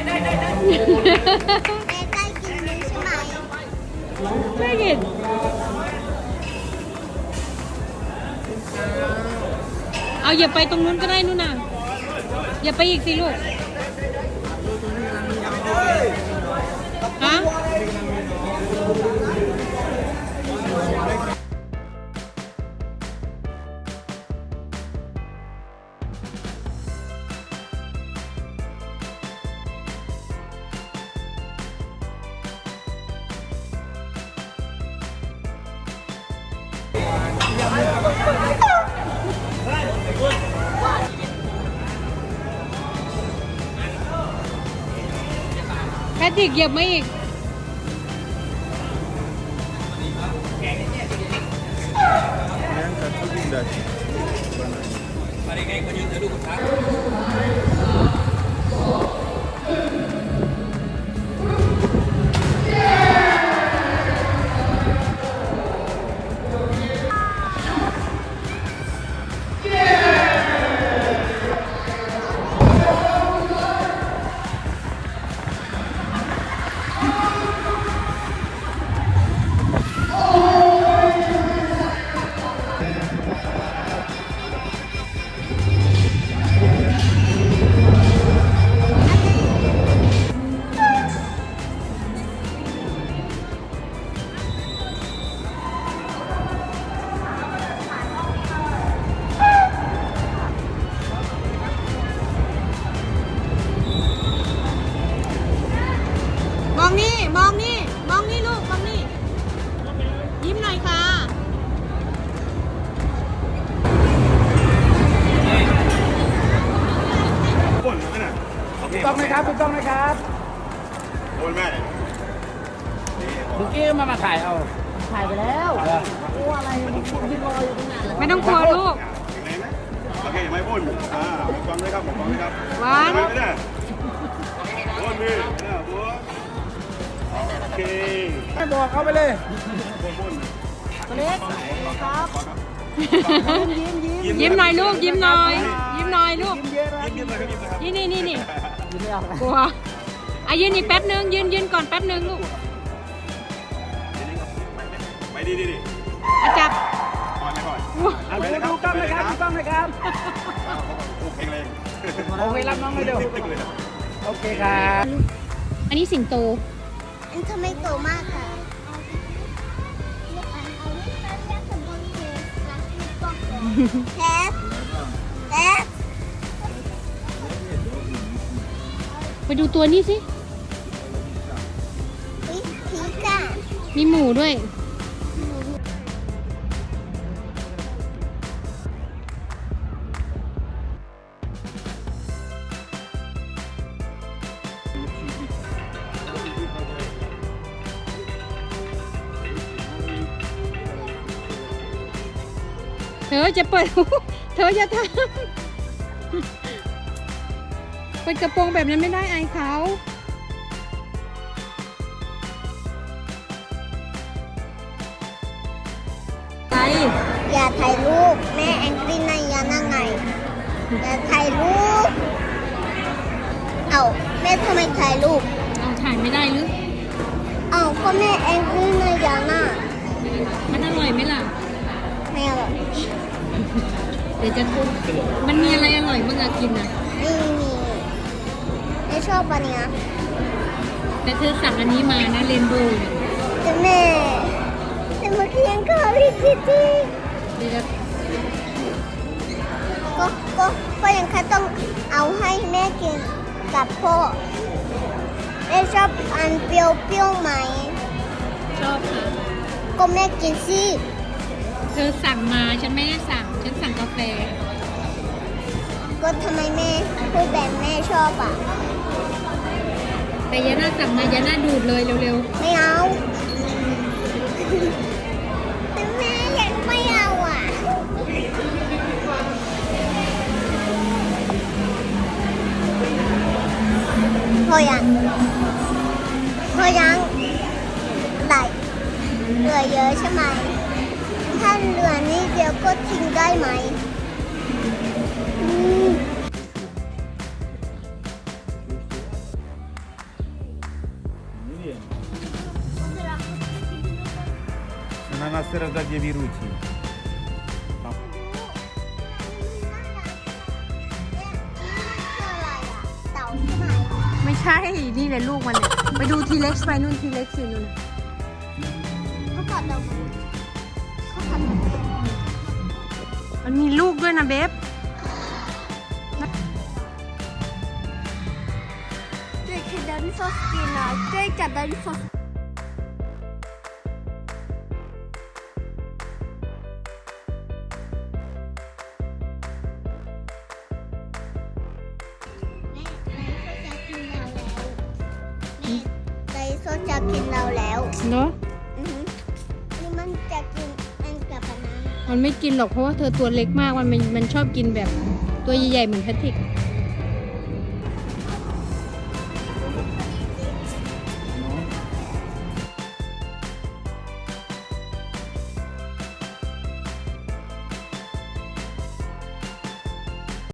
ได้กินนี้ใช่ไหมไม่กินเอาอย่าไปตรงนู้นก็ได้นู่นน่ะอย่าไปอีกสิลูกฮะแพทริกเหยียบมาอีกมองนี่มองนี่มองนี่ลูกมองนี่ยิ้มหน่อยค่ะถูกต้องไหมครับถูกต้องไหมครับโอนแม่เมื่อกี้มาถ่ายเอาถ่ายไปแล้วกลัวอะไรยืนรออยู่ตรงนั้นไม่ต้องกลัวลูกโอเคไม่พ่นฟังเลยครับผมฟังเลยครับหวานไม่ได้พ่นมือนะบัวโอเคให้บอกเขาไปเลยพ่นตัวเล็กครับยิ้มหน่อยลูกยิ้มหน่อยยิ้มหน่อยลูกเยอะนะยิ้มเลยครับยิ้มเลยครับนี่ยิ้มไม่ออกกลัวอ่ะยืนอีกแป๊บนึงยืนก่อนแป๊บนึงลูกไปดีอ่ะจับก่อนไปก่อนดูกล้องเลยครับดูกล้องเลยครับโอเคเลยโอเครับน้องเลยเดี๋ยวโอเคครับอันนี้สิงโตอันทำไมโตมากค่ะแทบแทบไปดูตัวนี้สิผีก่ะมีหมูด้วย เธอจะเปิด เธอจะทำเปิดกระโปรงแบบนั้นไม่ได้อายเขา ไปอย่าถ่ายรูปแม่แองกี้นายานั่งไงอย่าถ่ายรูปเอ้าแม่ทำไมถ่ายรูปเอาถ่ายไม่ได้หรือเอ้าก็แม่แองกี้นายาน่ะมันอร่อยไหมล่ะไม่อร่อยเดี๋ยวจะทุบมันมีอะไรอร่อยบ้างอะกินอะไม่มีไม่ชอบอันเนี้ยแต่เธอสั่งอันนี้มานะเรนโบว์แต่แม่แต่เมื่อกี้ยังข้าวพี่คิตตี้เดี๋ยวจะก็ยังแค่ต้องเอาให้แม่กินกับพ่อแม่ชอบอันเปรี้ยวๆไหมชอบค่ะก็แม่กินสิเธอสั่งมาฉันไม่ได้สั่ง ฉันสั่งกาแฟก็ทำไมแม่พูดแบบแม่ชอบอ่ะแต่ยาน่าสั่งมายาน่าดูดเลยเร็วไม่เอาแต่แม่ยังไม่เอาอ่ะพอยังไหลเหลือเยอะใช่ไหมถ้าเหลือนิดเดียวก็ทิ้งได้ไหม Она сразу беручи. เต่าใช่ไหมไม่ใช่ นี่แหละลูกมันเนี่ยไปดูทีเล็กซ์ไปนู่นทีเล็กซ์อยู่นู่นเขากัดเราเขากัดเรามันมีลูกด้วยนะเบฟเจ๊คือดันฟอสกินนะเจ๊กัดดันฟอสไดโซจะกินเราแล้วเนาะนี่มันจะกินอันกับอันนั้นมันไม่กินหรอกเพราะว่าเธอตัวเล็กมากมันชอบกินแบบตัวใหญ่ๆเหมือนแพทริกแ